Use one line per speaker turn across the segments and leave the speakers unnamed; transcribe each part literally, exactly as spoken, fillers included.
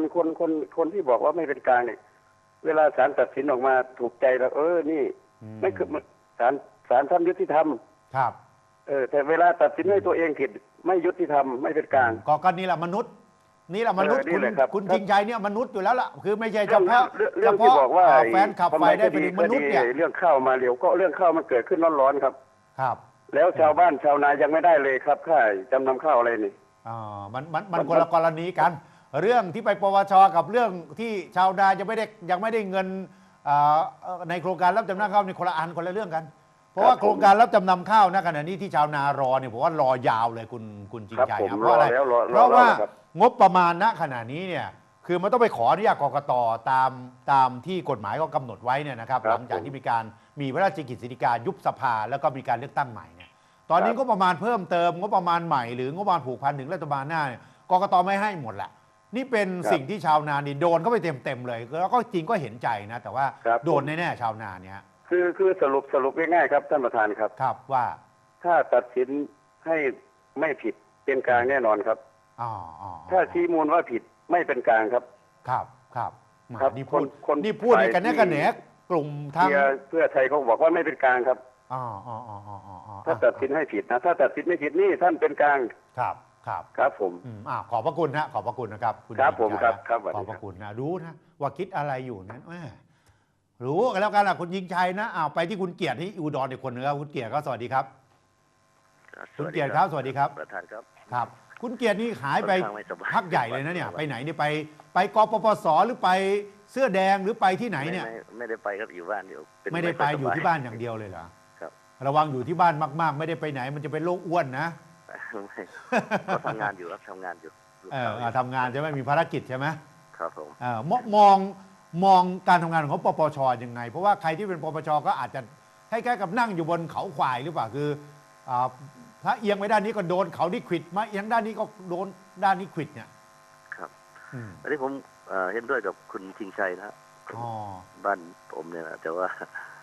คนคนคนที่บอกว่าไม่เป็นกลางเนี่ยเวลาศาลตัดสินออกมาถูกใจแล้วเออนี่ไม่คือศาลศาลทำยุติธรรม
ครับ
เออแต่เวลาตัดสินให้ตัวเองผิดไม่ยุติธรรมไม่เป็นกลาง
ก็ก็นี่แหละมนุษย์นี่แหละมนุษย์คุณคุณจริงใจเนี่ยมนุษย์อยู่แล้วล่ะคือไม่ใช่เฉพาะ
เรื่องที่บอกว่า
แฟนขับไฟได้เป็นมนุษย์เนี่ย
เรื่องข้าวมาเร็วก็เรื่องข้าวมันเกิดขึ้นร้อนๆครับ
ครับ
แล้วชาวบ้านชาวนายังไม่ได้เลยครับค่าจำนำข้าวอะไรนี่
อ๋อมันมันมันคนละกรณีกันเรื่องที่ไปปวชกับเรื่องที่ชาวนายังไม่ได้ยังไม่ได้เงินในโครงการรับจำนำข้าวในคนละอันคนละเรื่องกันเพราะว่าโครงการรับจำนำข้าวนะขณะนี้ที่ชาวนารอเนี่ยผมว่ารอยาวเลยคุณคุณจริงใจเพราะอะไรเพราะว่างบประมาณณขณะนี้เนี่ยคือมันต้องไปขออนุญาตกกต.ตามตามที่กฎหมายก็กำหนดไว้เนี่ยนะครับหลังจากที่มีการมีพระราชกิจสิกายุบสภาแล้วก็มีการเลือกตั้งใหม่เนี่ยตอนนี้งบประมาณเพิ่มเติมงบประมาณใหม่หรืองบประมาณผูกพันถึงรัฐบาลหน้าเนี่ยกกต.ไม่ให้หมดแหละนี่เป็นสิ่งที่ชาวนานี่โดนเข้าไปเต็มๆเลยแล้วก็จริงก็เห็นใจนะแต่ว่าโดนแน่ๆชาวนาเนี่ย
คือคือสรุปสรุปง่ายๆครับท่านประธานครับ
ครับว่า
ถ้าตัดสินให้ไม่ผิดเป็นกลางแน่นอนครับ
อ๋อ
ถ้าชี้มูลว่าผิดไม่เป็นกลางครับ
ครับครับ
ครับ
นี่พูดนี่พูดในกันแน่กันแหนกลุ่มทาง
เพื่อไทยเขาบอกว่าไม่เป็นกลางครับ
อ๋ออ๋ออ๋ออ๋อ
ถ้าตัดสินให้ผิดนะถ้าตัดสินไม่ผิดนี่ท่านเป็นกลาง
ครับครับ
ครับผม
อ่าขอบพระคุณนะขอบพระคุณนะครับ
คุณครับผมครับครับ
ขอบพระคุณนะรู้นะว่าคิดอะไรอยู่นั้นแหมรู้กันแล้วกันล่ะคุณยิงชัยนะอ้าวไปที่คุณเกียรติที่อุดรอีกคนนึงครับคุณเกียรติก็สวัสดีครับคุณเกียรติครับสวัสดีครับ
ประธานครับ
ครับคุณเกียรตินี่หายไปพักใหญ่เลยนะเนี่ยไปไหนเนี่ยไปไปกปปสหรือไปเสื้อแดงหรือไปที่ไหนเนี่ย
ไม่ได้ไปครับอยู่บ้านอยู่
ไม่ได้ไปอยู่ที่บ้านอย่างเดียวเลยเหรอครับระวังอยู่ที่บ้านมากๆไม่ได้ไปไหนมันจะเป็นโรคอ้วนนะ
ก็ทำงานอยู่ครับทำงานอยู่
เออทำงานใช่ไหมมีภารกิจใช่ไหม
ครับผม
เออมองมองการทำงานของปปชยังไงเพราะว่าใครที่เป็นปปชก็อาจจะคล้ายๆกับนั่งอยู่บนเขาควายหรือเปล่าคือถ้าเอียงไปด้านนี้ก็โดนเขาที่ขวิดมาเอียงด้านนี้ก็โดนด้านนี้ขวิดเนี่ย
ครับอันนี้ผมเห็นด้วยกับคุณชิงชัยนะบ้านผมเนี่ยนะแต่ว่า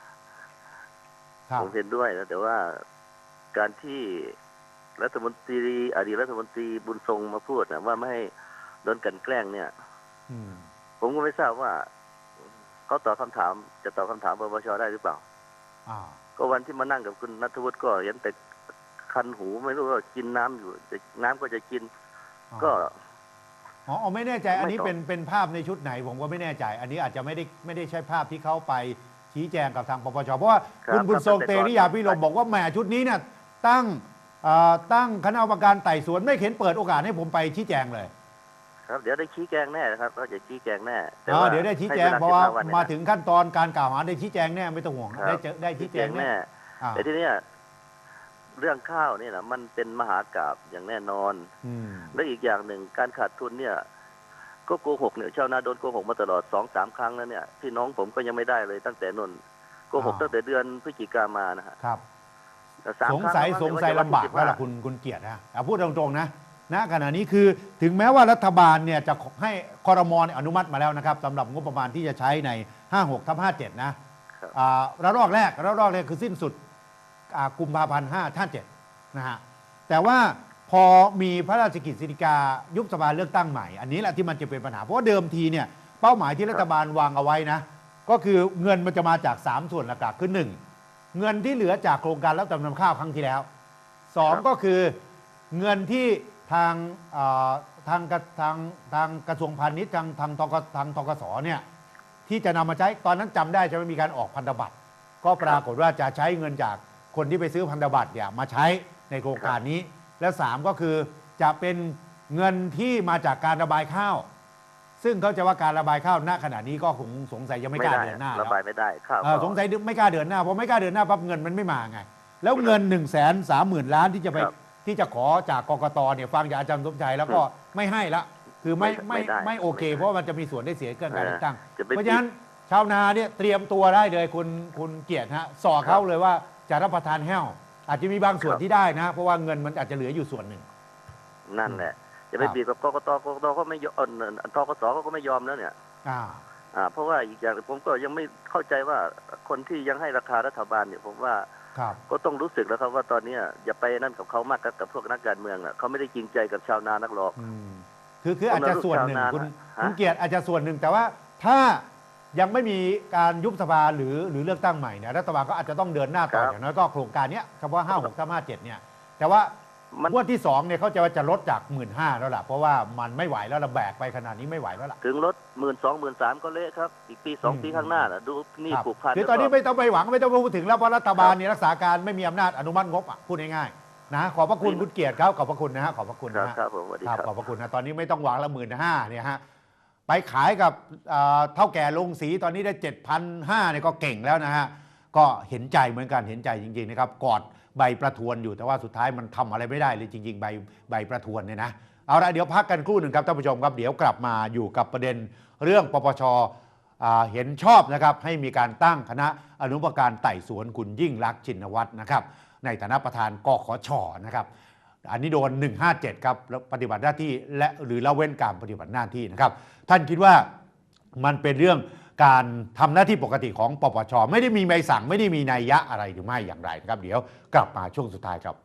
ผมเห็นด้วยนะแต่ว่าการที่รัฐมนตรีอดีตรัฐมนตรีบุญทรงมาพูดนะว่าไม่ให้โดนกันแกล้งเนี่ยผมก็ไม่ทราบว่าเขาตอบคำถามจะตอบคำถามปปชได้หรือเปล่าก็วันที่มานั่งกับคุณณัฐวุฒิก็เห็นแต่คันหูไม่รู้ว่ากินน้ำอยู่น้ำก็จะกินก็
อ๋อไม่แน่ใจอันนี้เป็นเป็นภาพในชุดไหนผมก็ไม่แน่ใจอันนี้อาจจะไม่ได้ไม่ได้ใช่ภาพที่เขาไปชี้แจงกับทางปปชเพราะว่าคุณบุญทรงเตริยาพิรมบอกว่าแหมชุดนี้เนี่ยตั้งตั้งคณะกรรมการไต่สวนไม่เห็นเปิดโอกาสให้ผมไปชี้แจงเลย
ครับเดี๋ยวได้ชี้แจงแน่ครับก็จะชี้แจงแน่
แต่ว่าเดี๋ยวได้ชี้แจงเพราะว่ามาถึงขั้นตอนการกล่าวหาได้ชี้แจงแน่ไม่ต้องห่วงได้เจอได้ชี้แจงแน่
แต่ทีนี้เรื่องข้าวนี่นะมันเป็นมหากาพย์อย่างแน่นอนและอีกอย่างหนึ่งการขาดทุนเนี่ยก็โกหกเนี่ยชาวนาโดนโกหกมาตลอดสองสามครั้งแล้วเนี่ยพี่น้องผมก็ยังไม่ได้เลยตั้งแต่นนโกหกตั้งแต่เดือนพฤศจิกามานะฮะ
ครับสงสัยสงสัยลำบากว่าล่ะคุณคุณเกียรตินะพูดตรงๆนะณขณะนี้คือถึงแม้ว่ารัฐบาลเนี่ยจะให้ครม.อนุมัติมาแล้วนะครับสำหรับงบประมาณที่จะใช้ในห้าหกทับห้าเจ็ดนะระลอกแรกระลอกแรกคือสิ้นสุดกุมภาพันธ์ห้าท่านเจ็ดนะฮะแต่ว่าพอมีพระราชกิจสิกายุบสภาเลือกตั้งใหม่อันนี้แหละที่มันจะเป็นปัญหาเพราะว่าเดิมทีเนี่ยเป้าหมายที่รัฐบาลวางเอาไว้นะก็คือเงินมันจะมาจากสามส่วนหลักๆคือหนึ่งเงินที่เหลือจากโครงการรับจำนำข้าวครั้งที่แล้วสองก็คือเงินที่ทางทางทางทางกระทรวงพาณิชย์ทางทางทกทางทกสเนี่ยที่จะนำมาใช้ตอนนั้นจำได้จะไม่มีการออกพันธบัตรก็ปรากฏว่าจะใช้เงินจากคนที่ไปซื้อพันธบัตรเนี่ยมาใช้ในโครงการนี้และสามก็คือจะเป็นเงินที่มาจากการระบายข้าวซึ่งเขาจะว่าการระบายข้าวณขณะนี้ก็คงสงสัยยังไม่กล้าเดินหน้า
ระบายไม่ได้ข้าว
สงสัยไม่กล้าเดินหน้าเพราะไม่กล้าเดินหน้าปั๊บเงินมันไม่มาไงแล้วเงินหนึ่งแสนสามหมื่นล้านที่จะไปที่จะขอจากกกตเนี่ยฟังจากอาจารย์สมชัยแล้วก็ไม่ให้ละคือไม่ไม่ไม่โอเคเพราะมันจะมีส่วนได้เสียเกินการเลือกตั้งเพราะฉะนั้นชาวนาเนี่ยเตรียมตัวได้เลยคุณคุณเกียรติฮะสอเขาเลยว่าจะรับประทานแห้วอาจจะมีบางส่วนที่ได้นะเพราะว่าเงินมันอาจจะเหลืออยู่ส่วนหนึ่ง
นั่นแหละจะไปบีบกับกกตกกตก็ไม่ยอมทกสก็ไม่ยอมแล้วเนี่ยอ่าอ่าเพราะว่าอีกอย่างผมก็ยังไม่เข้าใจว่าคนที่ยังให้ราคารัฐบาลเนี่ยผมว่าก็ต้องรู้สึกแล้วครับว่าตอนนี้อย่าไปนั่นกับเขามากกับพวกนักการเมืองอ่ะเขาไม่ได้จริงใจกับชาวนานักหรอก
คือคืออาจจะส่วนหนึ่งคุณคุณเกียรติอาจจะส่วนหนึ่งแต่ว่าถ้ายังไม่มีการยุบสภาหรือหรือเลือกตั้งใหม่เนี่ยรัฐบาลก็อาจจะต้องเดินหน้าต่ออย่างน้อยก็โครงการนี้เฉพาะห้าหกทับห้าเจ็ดเนี่ยแต่ว่างวดที่สองเนี่ยเขาจะว่าจะลดจากหมื่นห้าแล้วล่ะเพราะว่ามันไม่ไหวแล้วระแบกไปขนาดนี้ไม่ไหวแล้วล่ะ
ถึงลดหมื่นสองหมื่นสามก็เละครับอีกปีสองปีข้างหน้าน่ะดูนี่ผูกพัน
คือตอนนี้ไม่ต้องไปหวังไม่ต้องพูดถึงแล้วเพราะรัฐบาลเนี่ยรักษาการไม่มีอำนาจอนุมัติงบอ่ะพูดง่ายๆนะขอบพระคุณคุณเกียรติครับขอบพระคุณนะฮะขอบพระคุณนะฮะ
ครับผมสวัสดีครับ
ขอบพระคุณนะตอนนี้ไม่ต้องหวังละหมื่นห้าเนี่ยฮะไปขายกับเท่าแก่ลงสีตอนนี้ได้เจ็ดพันห้าเนี่ยก็เก่งแล้วนะฮะก็เห็นใจเหมือนกันเห็นใจจริงๆนะครับกอดใบประทวนอยู่แต่ว่าสุดท้ายมันทำอะไรไม่ได้เลยจริงๆใบใบประทวนเนี่ยนะเอาละเดี๋ยวพักกันครู่หนึ่งครับท่านผู้ชมครับเดี๋ยวกลับมาอยู่กับประเด็นเรื่องปปชเห็นชอบนะครับให้มีการตั้งคณะอนุกรรมการไต่สวนคุณยิ่งลักษณ์ชินวัตรนะครับในฐานะประธานกขช.นะครับอันนี้โดนหนึ่งห้าเจ็ดครับปฏิบัติหน้าที่และหรือละเว้นการปฏิบัติหน้าที่นะครับท่านคิดว่ามันเป็นเรื่องการทำหน้าที่ปกติของปปช.ไม่ได้มีใบสั่งไม่ได้มีนัยยะอะไรหรือไม่อย่างไรนะครับเดี๋ยวกลับมาช่วงสุดท้ายครับ